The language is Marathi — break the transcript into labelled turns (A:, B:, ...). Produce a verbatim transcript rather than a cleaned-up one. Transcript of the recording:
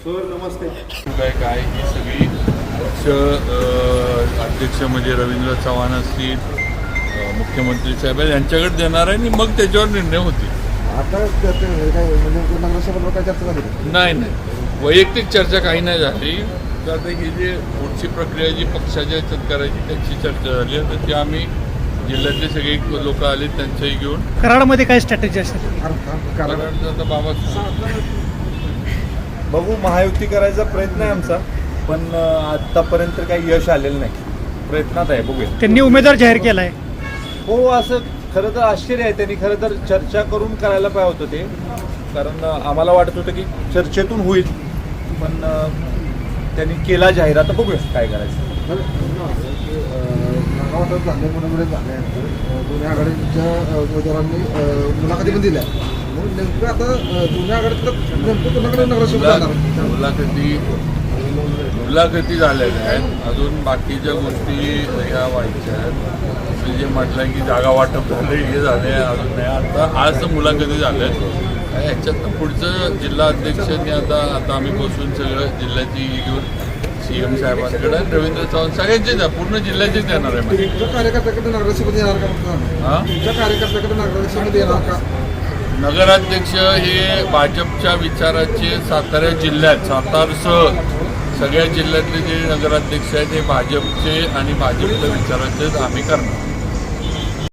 A: सर नमस्ते.
B: काय काय ही सगळी पक्ष अध्यक्ष म्हणजे रवींद्र चव्हाण असतील, मुख्यमंत्री साहेब यांच्याकडे देणार आहे आणि मग त्याच्यावर निर्णय होतील.
A: आता काय म्हणजे नगराध्यक्षाबरोबर काय चर्चा झाली?
B: नाही नाही वैयक्तिक चर्चा काही नाही झाली. तर आता ही जी पुढची प्रक्रिया जी पक्षाच्या याच्यात करायची त्याची चर्चा झाली आहे. तर ती आम्ही जिल्ह्यातले सगळे लोक आले त्यांच्याही घेऊन
C: कराडमध्ये काय स्ट्रॅटेजी असेल?
A: कारण
B: आता बाबा
D: बघू, महायुती करायचा प्रयत्न आहे आमचा, पण आतापर्यंत काही यश आलेलं नाही. प्रयत्नात आहे, बघूया.
C: त्यांनी उमेदवार जाहीर केला आहे.
D: हो, असं खरं तर आश्चर्य आहे. त्यांनी खरं तर चर्चा करून करायला पाहिजे होतं ते, कारण आम्हाला वाटत होतं की चर्चेतून होईल, पण त्यांनी केला जाहीर. आता बघूया काय करायचं.
A: नागावाटात झाले मुलामुळे झाल्यानंतर दोन्ही आघाडीच्या उमेदवारांनी मुलाखती पण दिल्या. मग नेमकं आता दोन्ही आघाडीत नेमकं कोणाकडे नगराध्यक्ष जाणार?
B: मुलाखती मुलाखती झालेल्या आहेत. अजून बाकीच्या गोष्टी ह्या व्हायच्या आहेत. जे म्हटलं की जागा वाटप झाले, हे झाले, अजून नाही. आता आज मुलाखती झाल्या आहेत. ह्याच्यातनं पुढचं जिल्हा अध्यक्षांनी आता आता आम्ही बसून सगळं जिल्ह्याची घेऊन सी एम साहेबांकडे रवींद्र चव्हाण सगळ्यांचेच आहे, पूर्ण जिल्ह्याचेच येणार आहे.
A: तुमच्या कार्यकर्त्याकडे नगराध्यक्षपदी येणार का?
B: हां,
A: तुमच्या कार्यकर्त्याकडे नगराध्यक्षपदी येणार का?
B: नगराध्यक्ष हे भाजपच्या विचाराचे सातारा जिल्ह्यात सातारसह सगळ्या जिल्ह्यातले जे नगराध्यक्ष आहेत ते भाजपचे आणि भाजपच्या विचाराचेच आम्ही करणार.